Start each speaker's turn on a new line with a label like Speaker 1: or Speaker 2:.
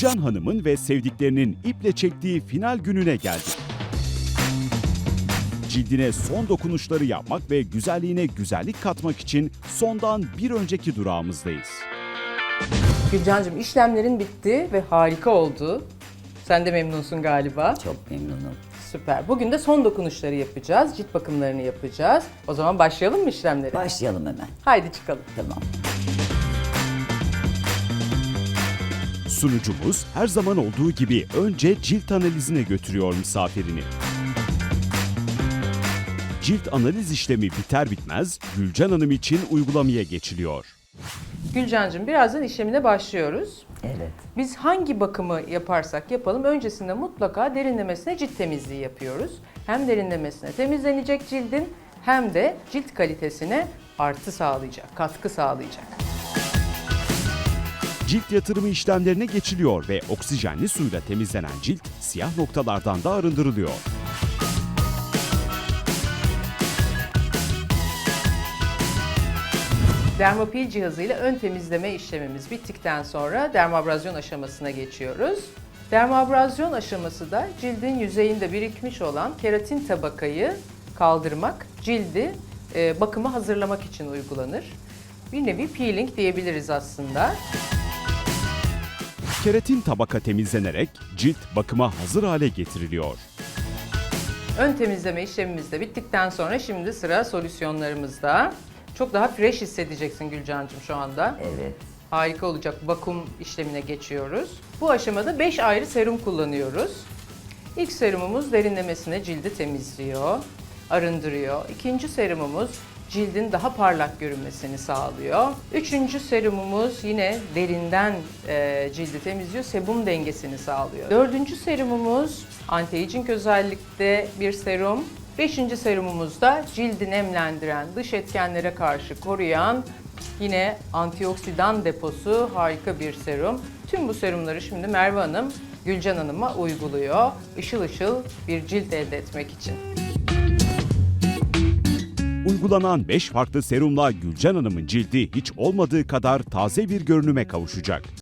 Speaker 1: Gülcan Hanım'ın ve sevdiklerinin iple çektiği final gününe geldik. Cildine son dokunuşları yapmak ve güzelliğine güzellik katmak için sondan bir önceki durağımızdayız.
Speaker 2: Gülcancığım, işlemlerin bitti ve harika oldu. Sen de memnunsun galiba.
Speaker 3: Çok memnunum.
Speaker 2: Süper. Bugün de son dokunuşları yapacağız. Cilt bakımlarını yapacağız. O zaman başlayalım mı işlemlere?
Speaker 3: Başlayalım hemen.
Speaker 2: Haydi çıkalım.
Speaker 3: Tamam.
Speaker 1: Sunucumuz her zaman olduğu gibi önce cilt analizine götürüyor misafirini. Cilt analiz işlemi biter bitmez Gülcan Hanım için uygulamaya geçiliyor.
Speaker 2: Gülcancığım, birazdan işlemine başlıyoruz.
Speaker 3: Evet.
Speaker 2: Biz hangi bakımı yaparsak yapalım öncesinde mutlaka derinlemesine cilt temizliği yapıyoruz. Hem derinlemesine temizlenecek cildin hem de cilt kalitesine artı sağlayacak, katkı sağlayacak.
Speaker 1: Cilt yatırımı işlemlerine geçiliyor ve oksijenli suyla temizlenen cilt siyah noktalardan da arındırılıyor.
Speaker 2: Dermapil cihazıyla ön temizleme işlemimiz bittikten sonra dermabrazyon aşamasına geçiyoruz. Dermabrazyon aşaması da cildin yüzeyinde birikmiş olan keratin tabakayı kaldırmak, cildi bakıma hazırlamak için uygulanır. Bir nevi peeling diyebiliriz aslında.
Speaker 1: Keratin tabaka temizlenerek cilt bakıma hazır hale getiriliyor.
Speaker 2: Ön temizleme işlemimiz de bittikten sonra şimdi sıra solüsyonlarımızda. Çok daha fresh hissedeceksin Gülcancığım şu anda.
Speaker 3: Evet.
Speaker 2: Harika olacak. Vakum işlemine geçiyoruz. Bu aşamada 5 ayrı serum kullanıyoruz. İlk serumumuz derinlemesine cildi temizliyor, arındırıyor. İkinci serumumuz cildin daha parlak görünmesini sağlıyor. Üçüncü serumumuz yine derinden cildi temizliyor, sebum dengesini sağlıyor. Dördüncü serumumuz anti-aging özellikte bir serum. Beşinci serumumuz da cildi nemlendiren, dış etkenlere karşı koruyan, yine antioksidan deposu harika bir serum. Tüm bu serumları şimdi Merve Hanım, Gülcan Hanım'a uyguluyor. Işıl ışıl bir cilt elde etmek için.
Speaker 1: Uygulanan 5 farklı serumla Gülcan Hanım'ın cildi hiç olmadığı kadar taze bir görünüme kavuşacak.